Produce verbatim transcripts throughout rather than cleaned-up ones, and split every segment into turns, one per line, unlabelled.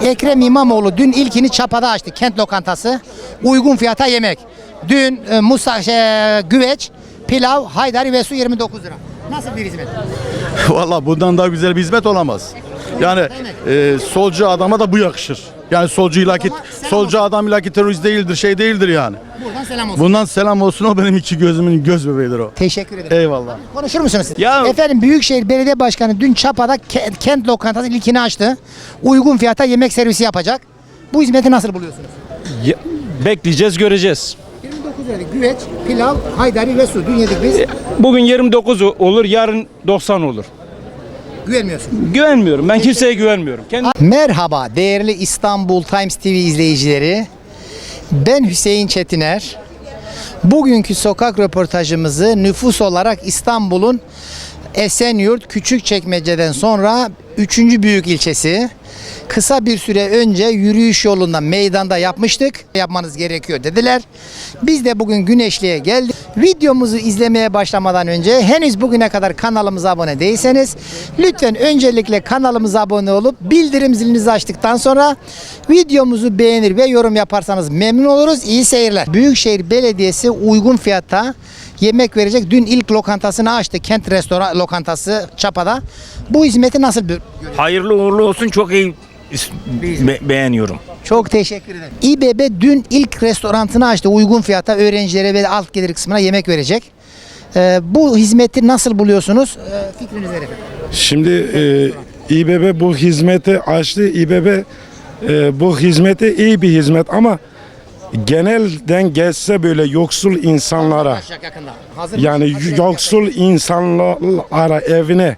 Ekrem İmamoğlu dün ilkini Çapa'da açtı. Kent lokantası. Uygun fiyata yemek. Dün e, Musa şey, güveç, pilav, haydari ve su yirmi dokuz lira. Nasıl bir hizmet?
Valla bundan daha güzel bir hizmet olamaz. Yani e, solcu adama da bu yakışır. Yani solcu ilaki, solcu adam ilaki terörist değildir, şey değildir yani.
Buradan selam olsun.
Bundan selam olsun, o benim iki gözümün göz bebeğidir o.
Teşekkür ederim.
Eyvallah.
Konuşur musunuz siz?
Ya-
Efendim Büyükşehir Belediye Başkanı dün Çapa'da ke- kent lokantası ilkini açtı. Uygun fiyata yemek servisi yapacak. Bu hizmeti nasıl buluyorsunuz?
Ya- bekleyeceğiz, göreceğiz.
yirmi dokuz lira güveç, pilav, haydari ve su. Dün yedik biz.
Bugün yirmi dokuz olur, yarın doksan olur.
Güvenmiyorsun.
Güvenmiyorum. Ben kimseye güvenmiyorum. Kendi
Merhaba değerli İstanbul Times T V izleyicileri. Ben Hüseyin Çetiner. Bugünkü sokak röportajımızı nüfus olarak İstanbul'un Esenyurt Küçükçekmece'den sonra üçüncü büyük ilçesi. Kısa bir süre önce yürüyüş yolunda meydanda yapmıştık. Yapmanız gerekiyor dediler. Biz de bugün Güneşli'ye geldik. Videomuzu izlemeye başlamadan önce henüz bugüne kadar kanalımıza abone değilseniz lütfen öncelikle kanalımıza abone olup bildirim zilinizi açtıktan sonra videomuzu beğenir ve yorum yaparsanız memnun oluruz. İyi seyirler. Büyükşehir Belediyesi uygun fiyatta yemek verecek. Dün ilk lokantasını açtı. Kent Restoran Lokantası Çapa'da. Bu hizmeti nasıl bir
Hayırlı uğurlu olsun, çok iyi be- beğeniyorum.
Çok teşekkür ederim. İBB dün ilk restoranını açtı. Uygun fiyata öğrencilere ve alt gelir kısmına yemek verecek. Ee, bu hizmeti nasıl buluyorsunuz? Ee, fikriniz neler efendim?
Şimdi e, İBB bu hizmeti açtı. İBB e, bu hizmeti iyi bir hizmet ama genelden geçse böyle yoksul insanlara,
Başlayacak yakında. Hazır
yani
mısınız? Hazır
yoksul insanlara evine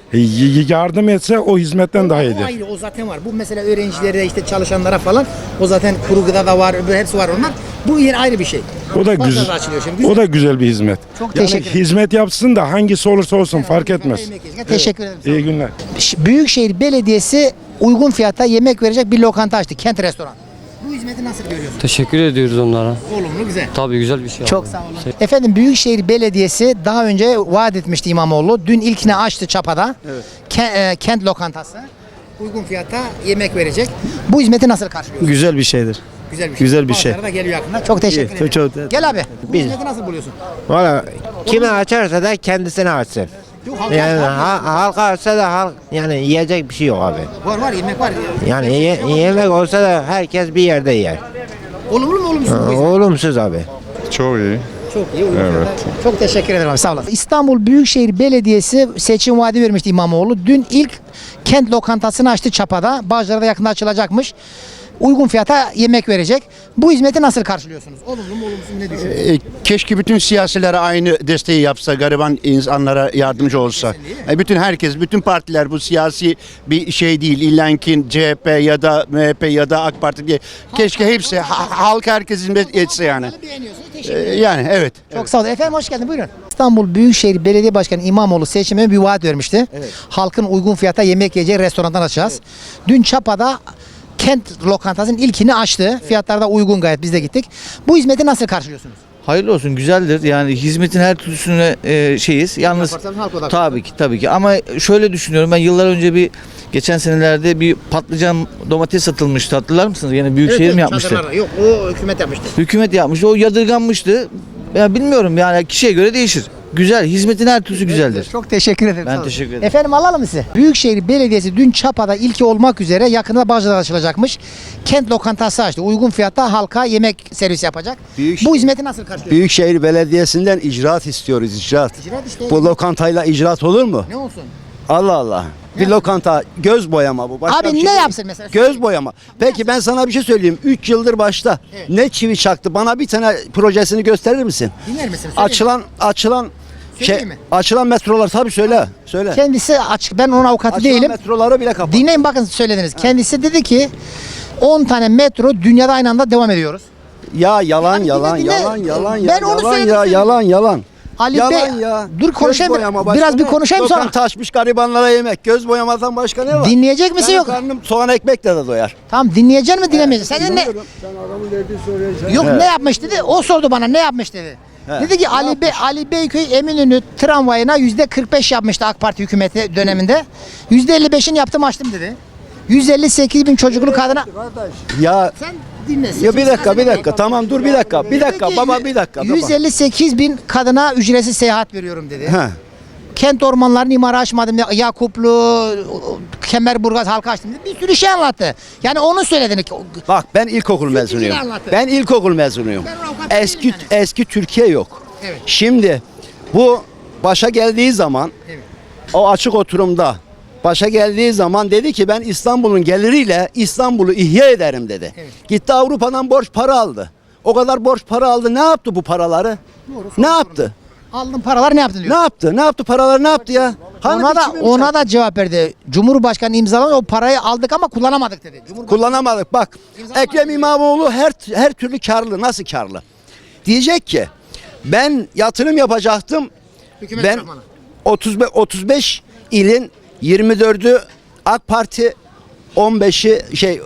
y- yardım etse o hizmetten daha
O
iyidir.
ayrı, o zaten var. Bu mesela öğrencilere, işte çalışanlara falan, o zaten kuru gıda da var, hepsi var onlar. Bu yer ayrı bir şey.
O da
Bazıları
güzel.
açılıyor şimdi. Güzel.
O da güzel bir hizmet.
Çok
Yani
teşekkür ederim.
hizmet yapsın da hangisi olursa olsun fark etmez.
Yemek yiyecek. Teşekkür ederim.
İyi günler.
Ş- Büyükşehir Belediyesi uygun fiyata yemek verecek bir lokanta açtı. Kent Restoran. Bu hizmeti nasıl görüyorsunuz?
Teşekkür ediyoruz onlara.
Olumlu, güzel.
Tabii güzel bir şey.
Çok
abi.
sağ olun. Efendim Büyükşehir Belediyesi daha önce vaat etmişti İmamoğlu. Dün ilkini açtı Çapa'da. Ke- e, kent lokantası. Uygun fiyata yemek verecek. Bu hizmeti nasıl karşılıyorsunuz?
Güzel bir şeydir.
Güzel bir şey.
güzel bir şey.
Bazıları da geliyor yakında. Çok teşekkür
İyi,
ederim.
çok- çok-
Gel abi. Bu hizmeti nasıl buluyorsun?
Valla kime açarsa da kendisine açsın.
Yok, halka
Yani
var.
ha, halka açsa da halk yani yiyecek bir şey yok abi.
Var var yemek var.
Yani ye- yemek olsa da herkes bir yerde yer.
Olumlu mu olumsuz mu bu hizmet?
Olumsuz abi.
Çok iyi.
Çok iyi. Uygun fiyata. Çok teşekkür ederim abi. Sağ olasın. İstanbul Büyükşehir Belediyesi seçim vaadi vermişti İmamoğlu. Dün ilk kent lokantasını açtı Çapa'da. Bağcılar'da yakında açılacakmış. Uygun fiyata yemek verecek. Bu hizmeti nasıl karşılıyorsunuz? Olumlu mu olumsuz mu, ne düşünüyorsunuz?
E, Keşke bütün siyasilere aynı desteği yapsa, gariban insanlara yardımcı olsa. E, Bütün herkes, bütün partiler bu siyasi bir şey değil. İllenkin C H P ya da M H P ya da AK Parti diye. Keşke hepsi, ha- halk herkes hizmet etse yani.
Beğeniyorsunuz.
E,
Teşekkür ederim.
Yani evet.
Çok sağ olun. Efendim hoş geldin. Buyurun. İstanbul Büyükşehir Belediye Başkanı İmamoğlu seçime bir vaat vermişti. Halkın uygun fiyata yemek yiyeceği restorandan açacağız. Dün Çapa'da kent lokantasının ilkini açtı. Fiyatlar da uygun gayet, biz de gittik. Bu hizmeti nasıl karşılıyorsunuz?
Hayırlı olsun, güzeldir. Yani hizmetin her türlüsüne e, şeyiz. Yalnız
yaparsanız halk odaklı.
tabii ki tabii ki ama şöyle düşünüyorum, ben yıllar önce bir geçen senelerde bir patlıcan domates satılmıştı, hatırlar mısınız? Yine Büyükşehir mi yapmıştı?
Çadırlara. Yok, o hükümet yapmıştı.
Hükümet yapmıştı. O yadırganmıştı. Ya bilmiyorum, yani kişiye göre değişir. Güzel, hizmetin her türlüsü güzeldir.
Çok teşekkür ederim.
Ben
sağ olun.
teşekkür ederim.
Efendim alalım mı sizi? Büyükşehir Belediyesi dün Çapa'da ilki olmak üzere yakında Bağcılar'da açılacakmış. Kent lokantası açtı. Uygun fiyatta halka yemek servisi yapacak.
Büyük-
Bu hizmeti nasıl karşılıyorsunuz?
Büyükşehir Belediyesi'nden icraat istiyoruz, icraat.
İcraat işte.
Bu lokantayla icraat olur mu?
Ne olsun?
Allah Allah. Bir lokanta, göz boyama bu. Başka
Abi
bir şey
ne
değil.
yapsın mesela?
Göz boyama. Peki ben sana bir şey söyleyeyim. üç yıldır başta ne çivi çaktı? Bana bir tane projesini gösterir misin?
Dinler misin? Söyleyeyim mi?
Açılan açılan şey,
Söyleyeyim mi?
açılan metrolar tabii söyle. Söyle.
Kendisi açık. Ben onun avukatı
Açılan
değilim.
metroları bile kapat.
Dinleyin bakın söylediniz. Kendisi dedi ki on tane metro dünyada aynı anda devam ediyoruz.
Ya yalan
Abi
yalan
dinle, dinle.
yalan yalan
Ben
ya.
onu
yalan
söyledim,
ya
söyledim.
yalan yalan.
Ali
yalan
Bey,
ya.
dur
Göz
konuşayım.
boyama başka
Biraz bir
ne?
konuşayım sonra.
Lokanta açmış garibanlara yemek. Göz boyamadan başka ne var?
Dinleyecek misin
Benim
yok?
karnım soğan ekmekle de doyar.
Tamam, dinleyecek mi dinlemeyecek? Sen ne? Yok,
Evet.
ne yapmış dedi? O sordu bana, ne yapmış dedi. Dedi ki Ali Bey, Ali Beyköy Eminönü tramvayına yüzde kırk beş yapmıştı AK Parti hükümeti döneminde. Yüzde elli beşini yaptım açtım dedi. yüz elli sekiz bin çocuklu kadına.
Ya
Sen dinle.
ya bir dakika bir dakika tamam dur bir dakika bir dakika baba bir dakika baba.
yüz elli sekiz bin kadına ücretsiz seyahat veriyorum dedi.
He.
Kent ormanlarını imara açmadım. Yakuplu, Kemerburgaz halka açtım dedi. Bir sürü şey anlattı. Yani onu söylediğini.
Bak ben ilkokul mezunuyum.
anlatın.
Ben ilkokul mezunuyum.
Ben avukat değilim
Eski
yani.
eski Türkiye yok.
Evet.
Şimdi bu başa geldiği zaman
Evet.
o açık oturumda başa geldiği zaman dedi ki ben İstanbul'un geliriyle İstanbul'u ihya ederim dedi.
Evet.
Gitti Avrupa'dan borç para aldı. O kadar borç para aldı. Ne yaptı bu paraları? ne yaptı?
Aldığın paralar ne yaptın diyor.
Ne yaptı? Ne yaptı paraları ne yaptı ya? Hani
Ona da
biçimi mi
ona da cevap verdi. Cumhurbaşkanı imzaladı, o parayı aldık ama kullanamadık dedi. Cumhurbaşkanı
kullanamadık. Bak
İmzalamadı.
Ekrem İmamoğlu her her türlü karlı. Nasıl karlı? Diyecek ki ben yatırım yapacaktım.
Hükümet
ben
tarafına.
otuz beş, otuz beş ilin yirmi dördü AK Parti, on beşi şey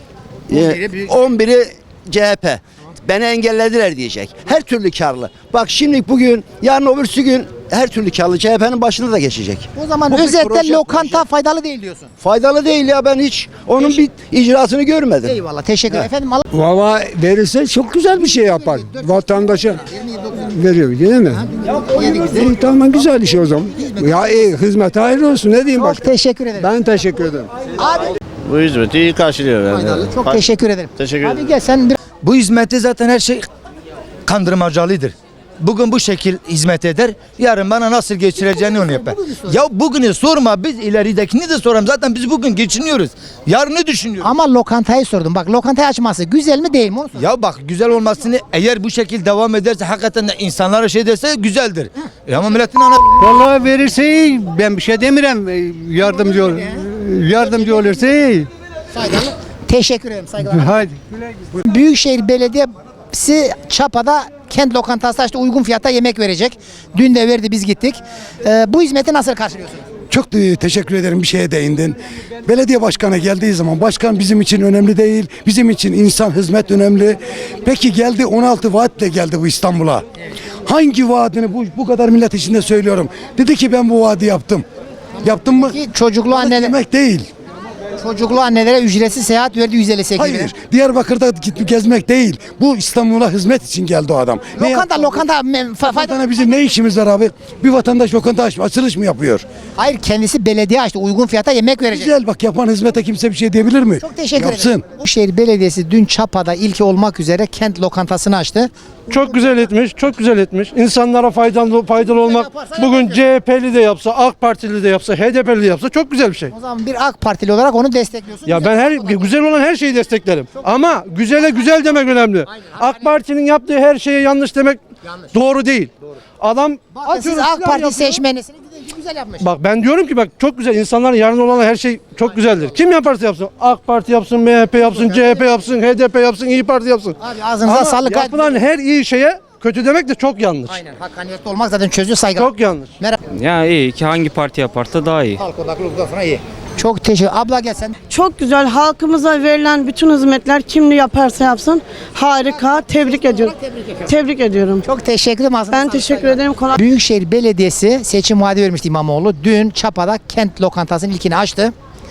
on biri
e,
büyük-
on biri C H P. Beni engellediler diyecek. Her türlü karlı. Bak şimdi bugün yarın öbürsü gün her türlü karlı C H P'nin başına da geçecek.
O zaman
Bu bir
özetle
proje,
lokanta
proje.
faydalı değil diyorsun.
Faydalı değil ya ben hiç onun bir icraatını görmedim.
Eyvallah, teşekkür ederim. Efendim Allah
Valla verirse çok güzel bir şey yapar. Vatandaşa veriyor değil mi? İyi, tamam güzel iş o zaman. Ya iyi hizmet hayırlı olsun ne diyeyim
çok
başka.
teşekkür ederim.
Ben teşekkür ederim.
Abi
Bu hizmeti iyi karşılıyor
faydalı. Çok teşekkür ederim.
Teşekkür
Abi gel sen bir
Bu hizmette zaten her şey kandırmacalıdır. Bugün bu şekil hizmet eder, yarın bana nasıl geçireceğini onu yapar. Ya bugünü sorma, biz ileridekini de soralım. Zaten biz bugün geçiniyoruz. Yarını düşünüyoruz.
ama lokantayı sordum. Bak lokantayı açması güzel mi değil mi onu sor.
Ya bak güzel olmasını eğer bu şekil devam ederse hakikaten de insanlara şey derse güzeldir. E ama milletin ana...
Vallahi verirse iyi. Ben bir şey demirem. Yardımcı ol. Yardımcı olursa iyi.
Faydalı. Teşekkür ederim. Saygılar.
Hadi.
Büyükşehir Belediyesi Çapa'da kent lokantası açtı, uygun fiyata yemek verecek. Dün de verdi, biz gittik. Ee, bu hizmeti nasıl karşılıyorsunuz?
Çok da teşekkür ederim bir şeye değindin. Belediye başkanı geldiği zaman başkan bizim için önemli değil. Bizim için insan hizmet önemli. Peki geldi on altı vaatle geldi bu İstanbul'a. Hangi vaadini bu, bu kadar millet içinde söylüyorum. Dedi ki ben bu vaadi yaptım. Yaptım mı?
Ki çocuklu anneler,
Demek değil.
çocuklu annelere ücretsiz seyahat verdi yüz elli sekiz bin.
Hayır. Diyarbakır'da gidip gezmek değil. Bu İstanbul'a hizmet için geldi o adam. Ne
Lokanta,
yaptı?
lokanta me- fa- fayda.
Lokantana bizim ne işimiz var abi? Bir vatandaş lokanta aç, açılış mı yapıyor?
Hayır, kendisi belediye açtı, uygun fiyata yemek verecek.
Güzel bak yapan hizmete kimse bir şey diyebilir mi?
Çok teşekkür
Yapsın.
ederim. Büyükşehir Belediyesi dün Çapa'da ilki olmak üzere kent lokantasını açtı.
Çok güzel etmiş, çok güzel etmiş. İnsanlara faydalı faydalı olmak. Bugün C H P'li de yapsa, AK Partili de yapsa, H D P'li de yapsa çok güzel bir şey.
O zaman bir AK Partili olarak onu destekliyorsun.
Ya ben her güzel olan her şeyi desteklerim. Ama güzele güzel demek önemli. AK Parti'nin yaptığı her şeye yanlış demek doğru değil. Adam
Bakın siz
atıyorum,
AK
silah
Parti
yapıyor.
seçmenisiniz. Güzel yapmış.
Bak ben diyorum ki bak çok güzel insanların yarın olan her şey çok güzeldir. Kim yaparsa yapsın. AK Parti yapsın, M H P yapsın, C H P yapsın, H D P yapsın, İyi Parti yapsın.
Abi ağzınıza
Ama
sağlık.
yapılan her iyi şeye kötü demek de çok yanlış.
Aynen, hakkaniyetli olmak zaten çözüyor, saygılar.
Çok yanlış.
Merhaba.
Ya iyi ki hangi parti yaparsa daha iyi.
Halk odaklı sonra iyi. Çok teşekkür. Abla gel sen.
Çok güzel. Halkımıza verilen bütün hizmetler kim ne yaparsa yapsın harika. Tebrik ediyorum. Tebrik ediyorum.
Çok teşekkür ederim. Ağzına
Ben
sağlık,
teşekkür
saygılar.
ederim. Kolay.
Büyükşehir Belediyesi seçim vaadi vermişti İmamoğlu. Dün Çapa'da kent lokantasının ilkini açtı.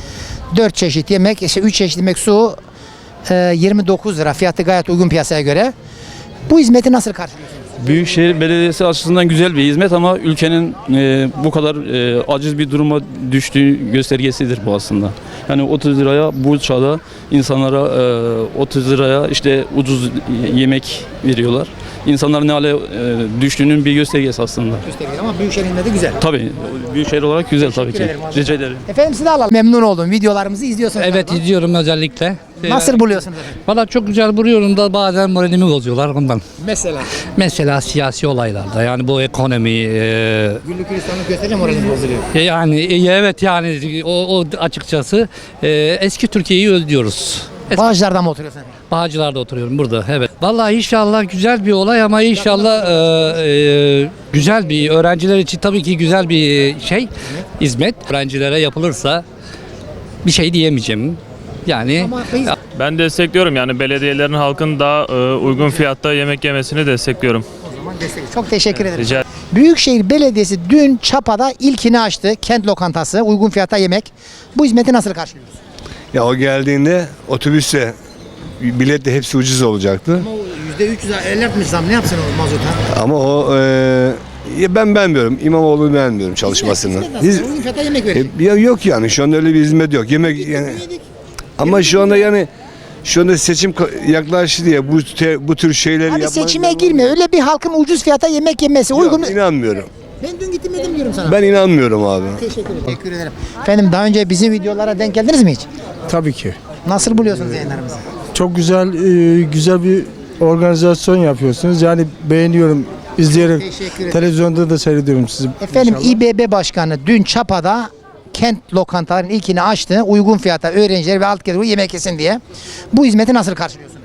dört çeşit yemek, işte üç çeşit yemek, su e, yirmi dokuz lira. Fiyatı gayet uygun piyasaya göre. Bu hizmeti nasıl karşılıyorsunuz?
Büyükşehir Belediyesi açısından güzel bir hizmet ama ülkenin e, bu kadar e, aciz bir duruma düştüğü göstergesidir bu aslında. Yani otuz liraya bu çağda insanlara e, otuz liraya işte ucuz yemek veriyorlar. İnsanların ne hale e, düştüğünün bir göstergesi aslında.
Göstergeler ama Büyükşehir'inde de güzel.
Tabii Büyükşehir olarak güzel tabii ki.
ederim abi.
Rica ederim.
Efendim sizi alalım. Memnun oldum. Videolarımızı izliyorsunuz.
Evet
galiba.
izliyorum özellikle.
Nasıl buluyorsunuz efendim?
Valla çok güzel buluyorum da bazen moralimi bozuyorlar ondan.
Mesela.
Mesela siyasi olaylarda yani bu ekonomi e,
Güllük gülistanlık gösterince moraliniz bozuluyor.
e, yani e, evet yani o, o açıkçası e, eski Türkiye'yi özlüyoruz. Eski
Bağcılar'da mı oturuyorsun efendim?
Bağcılar'da oturuyorum burada evet. Valla inşallah güzel bir olay ama inşallah e, e, güzel bir öğrenciler için tabii ki güzel bir şey hizmet. Öğrencilere yapılırsa bir şey diyemeyeceğim. Yani
Ama biz-
Ben destekliyorum yani belediyelerin halkın daha uygun fiyatta yemek yemesini destekliyorum.
Çok teşekkür ederim.
Rica
Büyükşehir Belediyesi dün Çapa'da ilkini açtı. Kent lokantası, uygun fiyata yemek. Bu hizmeti nasıl karşılıyorsunuz?
Ya o geldiğinde otobüste bilet de hepsi ucuz olacaktı.
Ama yüzde üç yüz elli zam ne yapsın o mazota?
Ama o e, ya ben beğenmiyorum. İmamoğlu'nu beğenmiyorum çalışmasını. Hiç-
Uygun fiyata yemek verecek.
E, ya yok yani şu anda öyle bir hizmet yok. Yemek yani. Ama şu anda yani şu anda seçim ka- yaklaştı diye bu te- bu tür şeyleri
Abi
yapmanın-
seçime girme. Öyle bir halkın ucuz fiyata yemek yemesi uygun.
Yok, inanmıyorum.
Ben dün gittim yedim diyorum sana.
Ben inanmıyorum abi.
Teşekkür ederim. Teşekkür ederim. Efendim daha önce bizim videolara denk geldiniz mi hiç?
Tabii ki.
Nasıl buluyorsunuz yayınlarımızı?
Çok güzel e, güzel bir organizasyon yapıyorsunuz. Yani beğeniyorum. İzleyerek
Teşekkür ederim.
televizyonda da seyrediyorum sizi.
Efendim
İnşallah.
İBB Başkanı dün Çapa'da kent lokantalarının ilkini açtı. Uygun fiyata öğrenciler ve alt gelir yemek yesin diye. Bu hizmeti nasıl karşılıyorsunuz?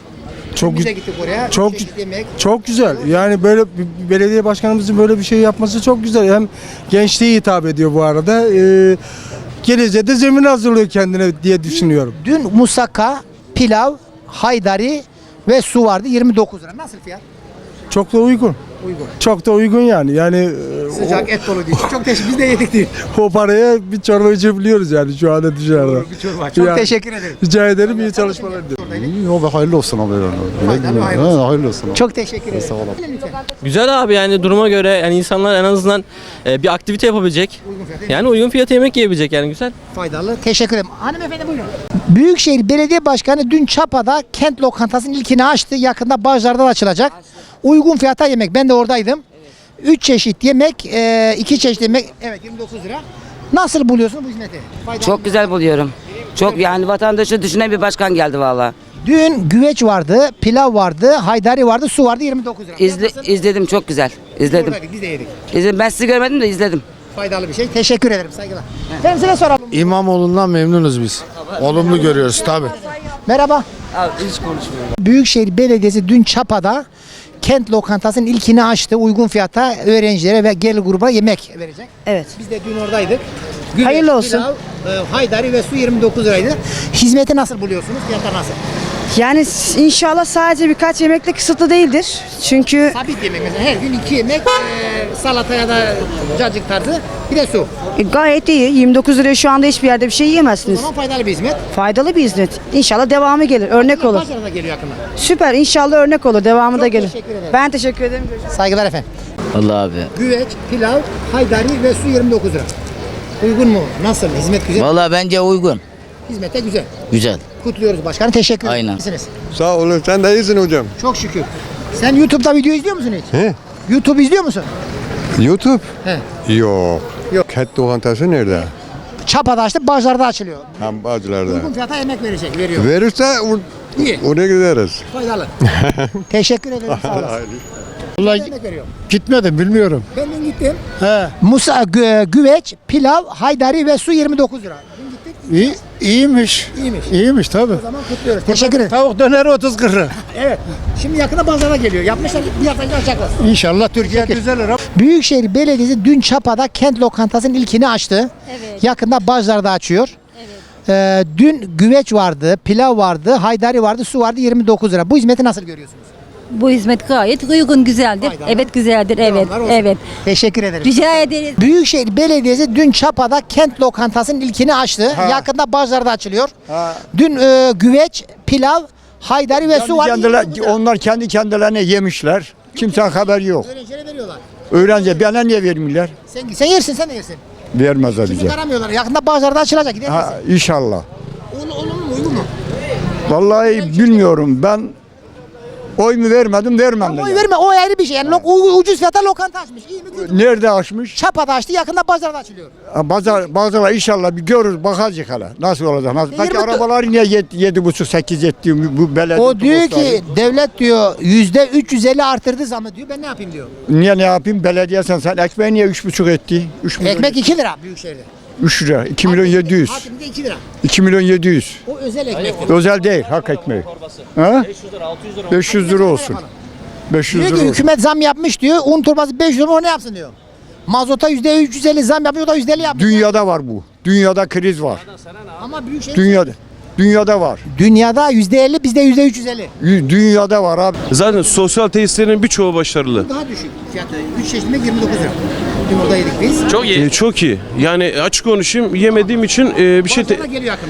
Çok
Biz de
gü-
gittik oraya.
çok-
bir çeşit yemek.
Çok güzel. Yani böyle bir belediye başkanımızın böyle bir şey yapması çok güzel. Hem gençliğe hitap ediyor bu arada. Ee, geleceğe de zemin hazırlıyor kendine diye düşünüyorum.
Dün musakka, pilav, haydari ve su vardı yirmi dokuz lira. Nasıl fiyat?
Çok da uygun.
Uygun.
Çok da uygun yani. Yani e,
Sıcak et dolu değil. Çok teşekkür Biz de yedik değil.
o, o paraya bir çorba içebiliyoruz yani şu anda dışarıda.
Bir çorba. Çok
Yani
teşekkür ederim.
Rica ederim, iyi çalışmalar diliyorum.
Yok be hayırlı olsun abi.
Faydalı, hayırlı olsun.
hayırlı olsun.
Çok teşekkür ederim. Lütfen.
Güzel abi yani duruma göre yani insanlar en azından e, bir aktivite yapabilecek.
Uygun fiyata
Yani uygun fiyata yemek yiyebilecek yani güzel.
faydalı. Teşekkür ederim. Hanımefendi buyurun. Büyükşehir Belediye Başkanı dün Çapa'da kent lokantasının ilkini açtı. Yakında Bağcılar'da da açılacak. Uygun fiyata yemek. Ben de oradaydım. Üç çeşit yemek, e, iki çeşit yemek. Evet yirmi dokuz lira. Nasıl buluyorsun bu hizmeti? Faydalı.
Çok güzel buluyorum. Çok yani vatandaşı düşünen bir başkan geldi valla.
Dün güveç vardı, pilav vardı, haydari vardı, su vardı yirmi dokuz lira.
İzle, izledim çok güzel. İzledim.
Oradaydık, biz de yedik.
İzledim. Ben sizi görmedim de izledim.
Faydalı bir şey. Teşekkür ederim. Saygılar. Efendim size soralım.
İmamoğlu'ndan memnunuz biz. Olumlu görüyoruz tabii.
Merhaba.
Abi hiç konuşmuyorum.
Büyükşehir Belediyesi dün Çapa'da kent lokantasının ilkini açtı. Uygun fiyata öğrencilere ve gelir gruba yemek verecek.
Evet.
Biz de dün oradaydık.
Hayırlı olsun.
Pilav, e, haydari ve su yirmi dokuz liraydı. Hizmeti nasıl buluyorsunuz? Fiyatlar nasıl?
Yani s- inşallah sadece birkaç yemekle kısıtlı değildir. Çünkü
Sabit yemek mesela her gün iki yemek e, salata ya da cacık tarzı bir de su.
e, gayet iyi. yirmi dokuz liraya şu anda hiçbir yerde bir şey
O
yiyemezsiniz.
zaman faydalı bir hizmet.
Faydalı bir hizmet. İnşallah devamı gelir. Örnek olur.
Pazarda geliyor yakında.
Süper. İnşallah örnek olur. Devamı da gelir.
teşekkür ederim.
Ben teşekkür ederim. Görüşürüz.
Saygılar efendim.
Allah abi.
Güveç, pilav, haydari ve su yirmi dokuz lira. Uygun mu? Nasıl? Hizmet güzel.
Vallahi bence uygun.
Hizmete güzel.
Güzel.
Kutluyoruz başkanım. Teşekkür ederim.
Aynen.
İyisiniz.
Sağ olun, sen de iyisin hocam.
Çok şükür. Sen YouTube'da video izliyor musun hiç?
He?
YouTube izliyor musun?
YouTube?
He.
Yok.
Yok.
Kent lokantası nerede?
Çapa'da açtı, Bağcılar'da açılıyor.
Hem Bağcılar'da.
Uygun fiyata yemek verecek, veriyor.
Verirse or-
İyi.
oraya gideriz.
Faydalı. Teşekkür ederim. Sağ olasın.
Vallahi
Yemek veriyor.
gitmedim, bilmiyorum.
Ben dün gittim.
He.
Musa, gü- güveç, pilav, haydari ve su yirmi dokuz lira. Dün gittik.
İyi, iyiymiş.
İyiymiş.
İyiymiş tabii.
O zaman kutluyoruz. Teşekkür ederim.
Tavuk döneri otuz kırk lira.
Evet. Şimdi yakında pazara geliyor. Yapmışlar bir hafta önce açacaklar.
İnşallah Türkiye düzelir.
Büyükşehir Belediyesi dün Çapa'da kent lokantasının ilkini açtı.
Evet.
Yakında Bağcılar'da açıyor. Ee, dün güveç vardı, pilav vardı, haydari vardı, su vardı yirmi dokuz lira. Bu hizmeti nasıl görüyorsunuz?
Bu hizmet gayet uygun, güzeldir.
Faydalı.
Evet, güzeldir. Evet,
Devamlar olsun.
evet.
Teşekkür ederim.
Rica ederiz.
Büyükşehir Belediyesi dün Çapa'da kent lokantasının ilkini açtı. Yakında Bağcılar'da açılıyor. Dün e, güveç, pilav, haydari ve su vardı.
onlar kendi kendilerine yemişler. Kimsenin haberi yok.
Öğrencilere veriyorlar.
Öğrenci bana niye vermiyorlar?
Sen, sen yersin, sen de yersin.
Vermezler
Şimdi aramıyorlar. Yakında Bağcılar'da açılacak. Gider misin?
inşallah.
Olur, olur mu? Uygun mu?
Vallahi bilmiyorum. Ben oy mu vermedim, vermem de.
Oy verme. O ayrı bir şey. Yani lo- u- ucuz fiyata lokanta açmış. İyi mi? Kötü mü?
Nerede açmış?
Çapa'da açtı. Yakında Bağcılar'da açılıyor.
Bazı bazılar inşallah bir görür, bakacak hala. Nasıl olacak? Nasıl? Peki
yirmi dört
arabaları niye yedi, yedi buçuk sekiz etti bu, bu belediye?
O diyor
otobüsleri?
ki devlet diyor yüzde üç yüz elli arttırdı zamı diyor. Ben ne yapayım diyor.
Niye ne yapayım? Belediye sen sen ekmeği niye üç buçuk etti? Üç milyon,
Ekmek iki lira Büyükşehir'de.
üç lira. iki milyon yedi yüz.
Hakimde iki lira.
iki milyon yedi yüz.
O özel ekmek.
Özel değil, hak ekmeği. Ha? beş yüz lira olsun. beş yüz
Diyor
lira
ki
olsun.
hükümet zam yapmış diyor. Un torbası beş yüz lira o ne yapsın diyor. Mazota yüzde üç yüz elli zam yapıyor, o da yüzde elli yapıyor.
Dünyada var bu. Dünyada kriz var.
Ama Büyükşehir
Dünyada. Dünyada var.
dünyada yüzde elli, bizde yüzde üç yüz elli.
Yü- Dünyada var abi.
Zaten sosyal tesislerin birçoğu başarılı.
Daha düşük fiyatı. üç çeşit yemek yirmi dokuz lira. Dün orada yedik biz.
Çok iyi.
çok iyi. Yani açık konuşayım yemediğim için bir şey
Bağcılar'da geliyor yakında.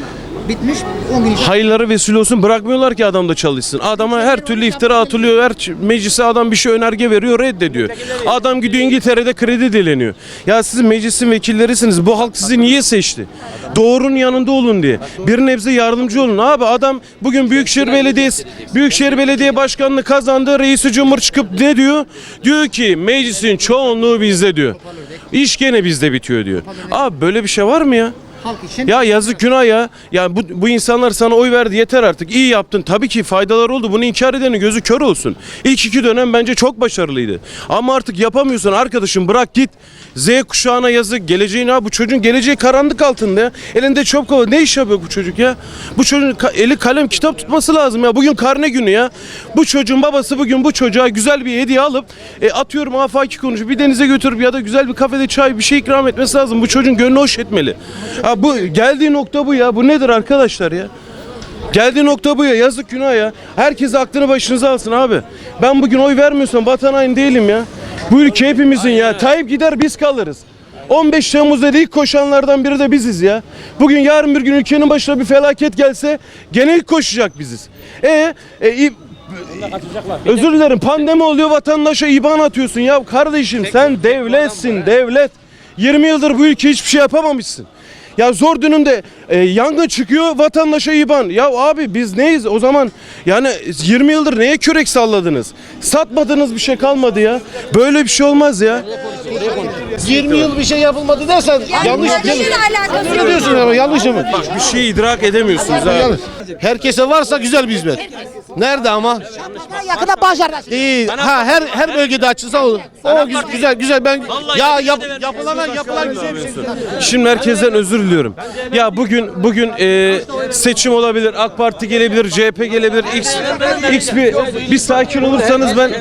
Bitmiş. on gün içinde.
Hayırları vesile olsun, bırakmıyorlar ki adam da çalışsın. Adama her türlü iftira atılıyor. Her ç- meclise adam bir şey önerge veriyor, reddediyor. Adam gidiyor İngiltere'de kredi dileniyor. Ya siz meclisin vekillerisiniz. Bu halk sizi niye seçti? Doğrunun yanında olun diye. Bir nebze yardımcı olun. Abi adam bugün Büyükşehir Belediyesi Büyükşehir Belediye Başkanlığı kazandı. Reisi Cumhur çıkıp ne diyor? Diyor ki meclisin çoğunluğu bizde diyor. İş gene bizde bitiyor diyor. Abi böyle bir şey var mı ya?
Halk için.
Ya yazık günah ya. Ya bu, bu insanlar sana oy verdi, yeter artık. İyi yaptın. Tabii ki faydalar oldu. Bunu inkar edenin gözü kör olsun. İlk iki dönem bence çok başarılıydı. Ama artık yapamıyorsun arkadaşım, bırak git. Z kuşağına yazık. Geleceğin ha bu çocuğun geleceği karanlık altında ya. Elinde çöp kova. Ne iş yapıyor bu çocuk ya? Bu çocuğun ka- eli kalem kitap tutması lazım ya. Bugün karne günü ya. Bu çocuğun babası bugün bu çocuğa güzel bir hediye alıp e, atıyorum afaki konuşup bir denize götürüp ya da güzel bir kafede çay bir şey ikram etmesi lazım. Bu çocuğun gönlü hoş etmeli. Ha, bu geldiği nokta bu ya. Bu nedir arkadaşlar ya? Geldiği nokta bu ya. Yazık günah ya. Herkes aklını başınıza alsın abi. Ben bugün oy vermiyorsam vatan haini değilim ya. Bu ülke hepimizin ya. Tayyip gider biz kalırız. on beş Temmuz'da ilk koşanlardan biri de biziz ya. Bugün yarın bir gün ülkenin başına bir felaket gelse gene ilk koşacak biziz. E, e i- özür dilerim, pandemi oluyor, vatandaşa İban atıyorsun ya kardeşim, sen devletsin, devlet. yirmi yıldır bu ülke hiçbir şey yapamamışsın. Ya zor dönümde e, yangın çıkıyor, vatandaşa İban. Ya abi biz neyiz o zaman? Yani yirmi yıldır neye kürek salladınız? Satmadığınız bir şey kalmadı ya. Böyle bir şey olmaz ya.
yirmi yıl bir şey yapılmadı dersen yanlış değil mi? Öyle diyorsun ama yanlış mı?
Bir şey idrak edemiyorsunuz abi.
Herkese varsa güzel bir hizmet. Nerede ama?
Yakında Bağcılar'da.
Değil. Ha her her bölgede açılsa olur. O güzel güzel, güzel. Ben ya yap, yapılan yapılan güzel bir şey.
Şimdi herkesten özür diliyorum. Ya bugün bugün e, seçim olabilir, AK Parti gelebilir, C H P gelebilir, X X bir bir sakin olursanız ben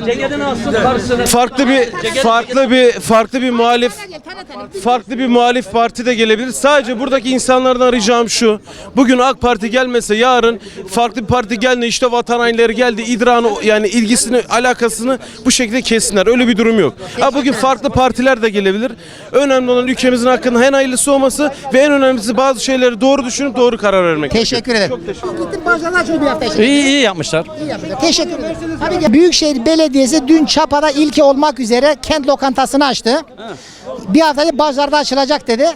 farklı bir farklı bir farklı bir muhalif farklı bir muhalif parti de gelebilir. Sadece buradaki insanlardan ricam şu. Bugün AK Parti gelmese yarın farklı bir parti geldi, işte vatan hainleri geldi, idrarını yani ilgisini, alakasını bu şekilde kessinler. Öyle bir durum yok. Ha bugün farklı partiler de gelebilir. Önemli olan ülkemizin hakkında en hayırlısı olması ve en önemlisi bazı şeyleri doğru düşünüp doğru karar vermek.
Teşekkür ederim. Gittim Bağcılar'da açıldı bir hafta içinde.
İyi iyi yapmışlar.
İyi yaptılar. Teşekkür ederim. Tabii ki Büyükşehir Belediyesi dün Çapa'da ilki olmak üzere kent lokantasını açtı. Bir haftaya Bağcılar'da açılacak dedi.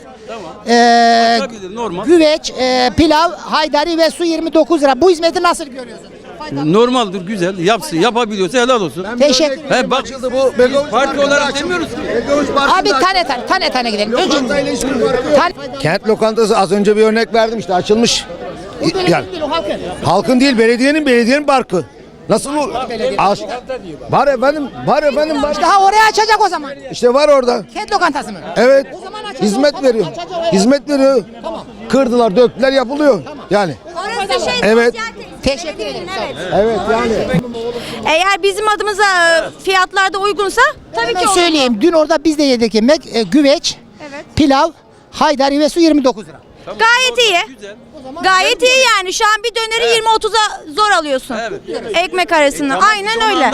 Ee, güveç, e, pilav, haydari ve su yirmi dokuz lira. Bu hizmeti nasıl görüyorsun?
Normaldir, güzel. Yapsın, yapabiliyorsa helal olsun.
Teşekkür ederim.
He bak, parti olarak demiyoruz ki.
Abi tane tane tane tane gidelim. Önce tane,
Kent lokantası az önce bir örnek verdim işte açılmış. Yani, halkın değil belediyenin belediyenin parkı. Nasıl olur? Aç. Var efendim, var efendim. Var.
İşte ha oraya açacak o zaman.
İşte var orada.
Kent lokantası mı?
Evet.
O zaman açacak,
Hizmet
o-
veriyor.
açacak, evet.
Hizmet veriyor.
Tamam.
Kırdılar, döktüler, yapılıyor. Yani.
Orası şey
Evet.
Teşekkür ederim.
Evet yani.
Eğer bizim adımıza fiyatlarda uygunsa tabii
Hemen söyleyeyim. Dün orada biz de yedik yemek. E, güveç, pilav, haydari ve su yirmi dokuz lira.
Gayet iyi. Gayet iyi yani. Şu an bir döneri yirmi otuza zor alıyorsun. Ekmek arasını. Aynen öyle.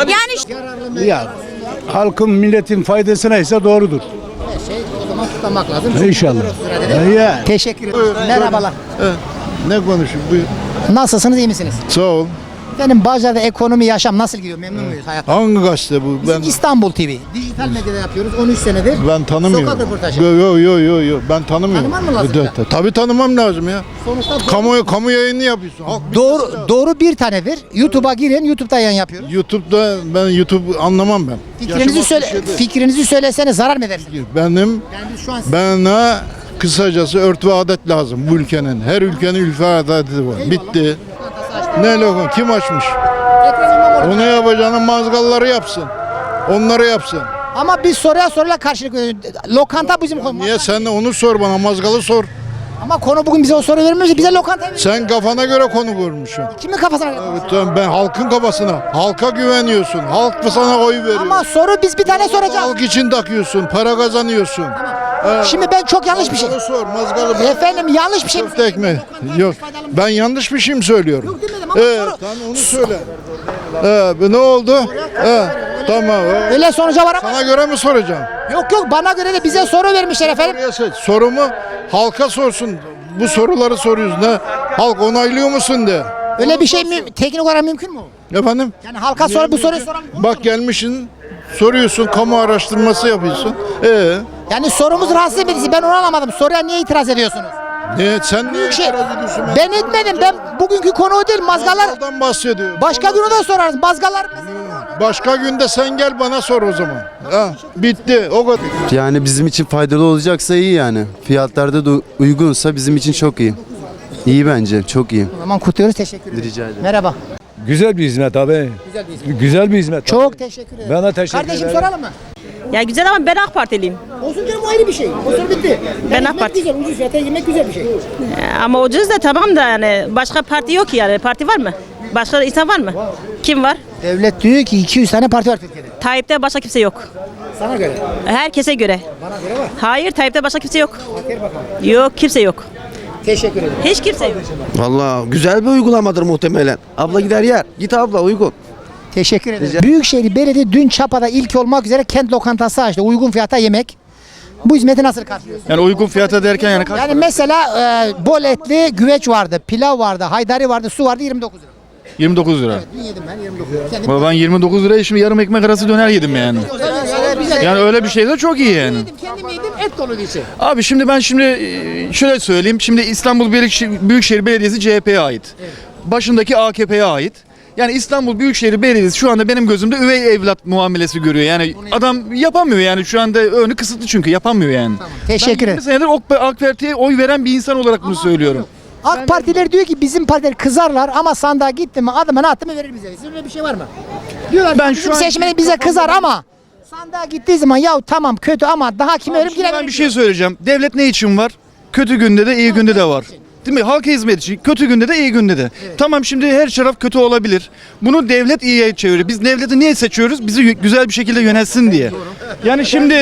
Yani
Ya halkın milletin faydasına ise doğrudur.
Her şey o zaman tutmak lazım.
İnşallah. Ya.
Teşekkür ederim. Merhabalar.
Ne konuşayım buyur.
Nasılsınız, iyi misiniz?
Sağ ol.
Benim Bağcılar'da ekonomi, yaşam nasıl gidiyor? Memnun muyuz hayattan?
Hangi gazete bu?
Bizim İstanbul T V. Dijital medyada yapıyoruz on üç senedir.
Ben tanımıyorum.
Sokak röportajı.
Yo yo yo yo yo ben tanımıyorum.
Tanıman mı lazım
Evet,
ya?
evet. Tabii tanımam lazım ya.
Sonuçta doğru,
Kamu kamu yayını yapıyorsun. Halk
doğru, doğru bir tanedir. YouTube'a girin, YouTube'da yayın yapıyoruz.
YouTube'da ben YouTube anlamam ben.
Fikrinizi
Yaşım
söyle,
altmış yedi.
fikrinizi söylesene zarar mı edersiniz?
Benim
Yani biz şu an
bana kısacası örf ve adet lazım bu ülkenin. Her ülkenin ülke adeti var. Bitti. Ne lokal? Kim açmış?
Ekrem İmamoğlu.
Onu yapacağını mazgalları yapsın. Onları yapsın.
Ama biz soruya soruyla karşılık veriyoruz. Lokanta bizim konu.
Niye sen de onu sor bana, mazgalı sor.
Ama konu bugün bize o soru vermiyorsa bize lokanta veriyor.
Sen kafana göre konu kurmuşsun.
Kimin kafasına göre?
Evet, tamam, ben halkın kafasına. Halka güveniyorsun. Halk mı sana oy veriyor?
Ama soru biz bir tane soracağız.
Halk için takıyorsun, para kazanıyorsun. Evet.
Şimdi ben çok yanlış bir şey.
Mazgalı sor, mazgalı.
Efendim yanlış bir şey mi
Köfte ekmeği. Yok. Ben yanlış bir şey mi söylüyorum?
Yok demedim ama
Evet,
soru.
tamam onu söyle. Evet, ne oldu? Evet, tamam. evet.
Öyle sonuca var ama.
Sana göre mi soracağım?
Yok yok bana göre de bize soru vermişler efendim.
Sorumu halka sorsun. Bu soruları soruyoruz. Ne
Halk onaylıyor musun de.
Öyle bir şey mi teknik olarak mümkün mü?
Efendim?
Yani halka sor bu soruyu soran.
Bak gelmişsin soruyorsun, kamu araştırması yapıyorsun. Ee,
Yani sorumuz rahatsız edici. Ben onu anlamadım. Soruya niye itiraz ediyorsunuz?
ne sen niye
Şey,
itiraz ediyorsun?
ben etmedim. Ben bugünkü konu o değil. Mazgallar.
Mazgaldan bahsediyor.
Başka günü de sorarız. Mazgallar.
Başka günde sen gel bana sor o zaman. Ha, bitti o kadar.
Yani bizim için faydalı olacaksa iyi yani. Fiyatlarda da uygunsa bizim için çok iyi. İyi bence, çok iyi.
O zaman kutluyoruz. Teşekkür ederim.
Rica ederim.
Merhaba.
Güzel bir hizmet abi.
Güzel bir hizmet.
Güzel bir hizmet.
Çok teşekkür ederim.
Ben de teşekkür
Kardeşim
ederim.
soralım mı?
Ya güzel ama ben AK Partiliyim.
Olsun canım, o ayrı bir şey. O soru bitti.
Ben
Yani
AK
yemek
Parti.
güzel, ucuz fiyata yemek güzel bir şey.
Ama ucuz da tamam da yani başka parti yok ki yani. Parti var mı? Başka insan var mı? Kim var?
Devlet diyor ki iki yüz tane parti var Türkiye'de.
Tayyip'te başka kimse yok.
Sana göre.
Herkese göre.
Bana göre var.
Hayır, Tayyip'te başka kimse yok.
Bakır bakalım.
Yok, kimse yok.
Teşekkür ederim.
Hiç kimse yok.
Vallahi güzel bir uygulamadır muhtemelen. Abla gider yer. Git abla uygun.
Teşekkür ederim. Büyükşehir Belediye dün Çapa'da ilk olmak üzere kent lokantası açtı. Uygun fiyata yemek. Bu hizmeti nasıl karşılıyorsun?
Yani uygun fiyata derken yani kaç?
Yani mesela e, bol etli güveç vardı, pilav vardı, haydari vardı, su vardı yirmi dokuz lira.
yirmi dokuz lira.
Dün yedim ben yirmi dokuz lira. Kendim
Ama ben yirmi dokuz liraya şimdi yarım ekmek arası döner yedim yani. Yani öyle bir şey de çok iyi yani.
Kendim yedim, et dolu bir şey.
Abi şimdi ben şimdi e, şöyle söyleyeyim. Şimdi İstanbul Büyükşehir, Büyükşehir Belediyesi C H P'ye ait. Başındaki A K P'ye ait. Yani İstanbul Büyükşehir Belediyesi şu anda benim gözümde üvey evlat muamelesi görüyor. Yani adam yapamıyor yani şu anda önü kısıtlı çünkü yapamıyor yani.
Teşekkür
Ben
ederim.
yirmi senedir AK AK Parti'ye oy veren bir insan olarak bunu söylüyorum.
AK Partiler diyor ki bizim partiler kızarlar ama sandığa gitti mi adımını attı mı verir bize. Sizin öyle bir şey var mı? Diyorlar
Ben
ben
şu
bizim
an-
seçmeni bize kızar ama sandığa gittiği zaman ya tamam kötü ama daha kim verir
Şimdi
yine
ben
verir
bir şey söyleyeceğim. Devlet ne için var? Kötü günde de iyi günde de var. Değil mi? Halka hizmet için. Kötü günde de iyi günde de. Tamam şimdi her taraf kötü olabilir. Bunu devlet iyiye çeviriyor. Biz devleti niye seçiyoruz? Bizi y- güzel bir şekilde yönetsin diye. Yani şimdi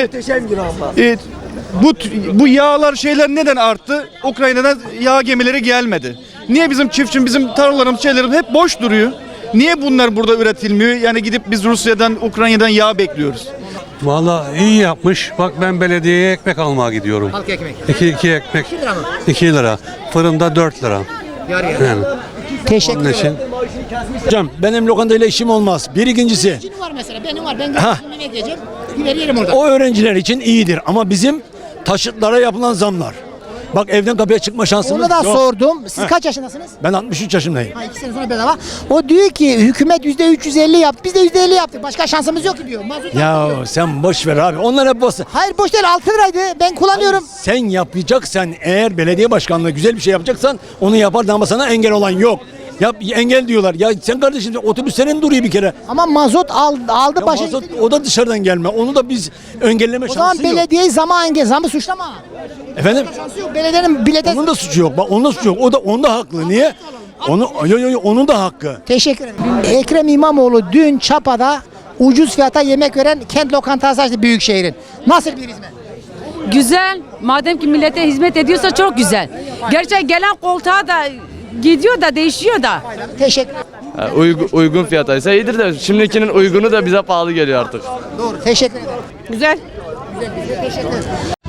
e, bu bu yağlar şeyler neden arttı? Ukrayna'dan yağ gemileri gelmedi. Niye bizim çiftçim, bizim tarlalarımız, şeylerimiz hep boş duruyor? Niye bunlar burada üretilmiyor? Yani gidip biz Rusya'dan, Ukrayna'dan yağ bekliyoruz.
Vallahi iyi yapmış. Bak ben belediyeye ekmek almaya gidiyorum.
Halk ekmek.
İki, iki ekmek.
iki lira mı?
iki lira. Fırında dört lira.
Yarı yarı.
Yani.
Teşekkür
Onun için.
ederim.
Hocam benim lokantayla işim olmaz. Bir ikincisi
Benim var mesela benim var ben
Ha.
gelip yemek yiyeceğim. Gider yerim orada.
o öğrenciler için iyidir ama bizim taşıtlara yapılan zamlar. Bak evden kapıya çıkma şansımız
Onu da
yok.
sordum. Siz
Ha.
kaç yaşındasınız?
Ben altmış üç yaşındayım.
Ha, iki sene sonra bedava. O diyor ki hükümet yüzde üç yüz elli yaptı. Biz de yüzde elli yaptık. Başka şansımız yok ki diyor. Mazot
Ya
artıyor.
sen boş ver abi. Onlar hep boş.
Hayır boş değil altı liraydı. Ben kullanıyorum.
Sen yapacaksan eğer belediye başkanlığı güzel bir şey yapacaksan onu yapardın ama sana engel olan yok. Yap engel diyorlar. Ya sen kardeşim otobüslerin duruyor bir kere.
Ama mazot al, aldı
Ya
başa.
mazot, o da dışarıdan gelme. Onu da biz engelleme
O zaman
şansı yok.
belediyeyi zaman engel zamı suçlama.
Efendim?
Şansı yok. Belediyenin bilete...
Onun da suçu yok. Bak onun da suçu yok. O da onun da haklı. Niye? Onu yo, yo, yo, onun da hakkı.
Teşekkür ederim. Ekrem İmamoğlu dün Çapa'da ucuz fiyata yemek veren kent lokantası açtı Büyükşehir'in. Nasıl bir hizmet?
Güzel. Madem ki millete hizmet ediyorsa çok güzel. Gerçi gelen koltuğa da gidiyor da değişiyor da.
Teşekkür
uygun, uygun fiyataysa iyidir de şimdikinin uygunu da bize pahalı geliyor artık.
Doğru. Teşekkür ederim.
Güzel.
Güzel, güzel. Teşekkür ederim.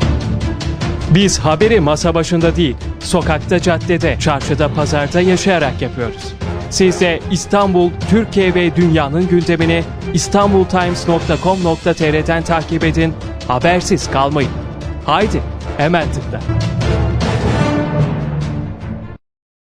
Biz haberi masa başında değil, sokakta, caddede, çarşıda, pazarda yaşayarak yapıyoruz. Siz de İstanbul, Türkiye ve dünyanın gündemini istanbul times nokta com nokta tr'den takip edin, habersiz kalmayın. Haydi, hemen tıkla.